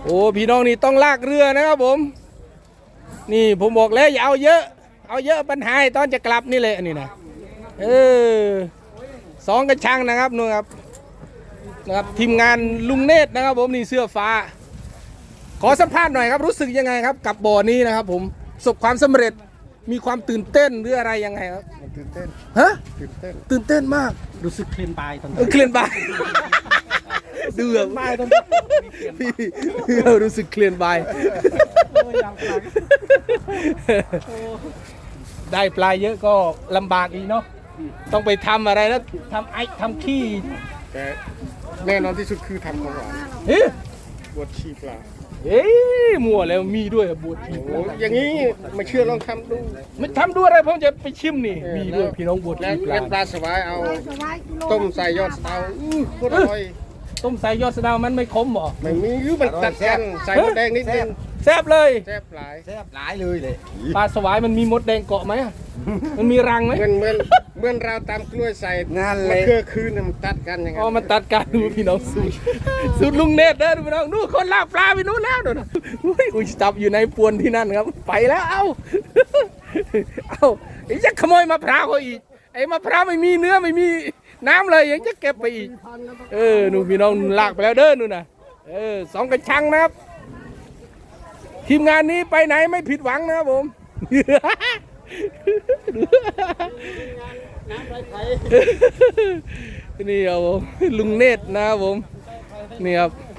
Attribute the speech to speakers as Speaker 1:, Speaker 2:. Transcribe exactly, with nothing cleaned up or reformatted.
Speaker 1: โอ้พี่น้องนี่ต้องลากเรือนะครับผมนี่ผมบอกแล้วอย่าเอาเยอะเอาเยอะปัญหาตอนจะกลับนี่แหละนี่นะเออสองกระชังนะครับนู่นครับนะครับทีมงานลุงเนตรนะครับผมนี่เสื้อฟ้าขอสัมภาษณ์หน่อยครับรู้สึกยังไงครับกับบ่อนี้นะครับผมประสบความสำเร็จมีความตื่นเต้นหรืออะไรยังไงครับ
Speaker 2: ตื่นเต้น
Speaker 1: ฮะ
Speaker 2: ตื่นเต้น
Speaker 1: ตื่นเต้นมาก
Speaker 3: รู้สึกเคลื่อนไปตอน
Speaker 1: นี้เคลื่อนไปดูแบบไม่ต้องพี่รู้สึกเคลื่อนไปได้ปลาเยอะก็ลำบากอีกเนาะต้องไปทำอะไรนะทำไอ้ทำขี้
Speaker 2: แต่แน่นอนที่สุดคือทำของหวาน
Speaker 1: เฮ้ย
Speaker 2: บวชชีปลา
Speaker 1: เฮ้ยมั่วแล้วมีด้วยบวชชีปลา
Speaker 2: อย่างนี้ไม่เชื่อลองทำดู
Speaker 1: ไม่ทำดูอะไรผมจะไปชิมนี่มีด้วยพี่น้องบวชชีปลา
Speaker 2: แล้วปลาสวายเอาต้มใส่ยอดเตาอู้โคตรอร่อย
Speaker 1: ต้มใส่ยอดสะเดามันไม่ขมหรอ
Speaker 2: ไม่มียื้อมันตัดกันใส่มดแดงนิดนึง
Speaker 1: แซ่บเลย
Speaker 2: แซ่บหลาย
Speaker 3: แซ่บหลายเลยเลย
Speaker 1: ปลาสวายมันมีมดแดงเกาะไหมมันมีรังไหม
Speaker 2: เหมือนเหมือนเหมือนเราตามกล้วยใส่
Speaker 3: งานเลย
Speaker 2: เกือคืนมันตัดกันอย่างเงี้ย
Speaker 1: อ๋อมันตัดกันดูพี่น้องสูตรสูตรลุงเนตรเด้อพี่น้องนู่นคนลากปลาไปนู่นแล้วนู่นอุ้ยจับอยู่ในปวนที่นั่นครับไปแล้วเอ้าเอ้าไอ้ยักขโมยมะพร้าวเขาอีกไอ้มะพร้าวไม่มีเนื้อไม่มีน้ำเลยยังจะเก็บไปอีกเออนู่นพี่น้องลากไปแล้วเด้อนู่นน่ะเออสองกระชังนะครับทีมงานนี้ไปไหนไม่ผิดหวังนะครับผมนี่ครับผมลุงเนตรนะครับผมนี่ครับ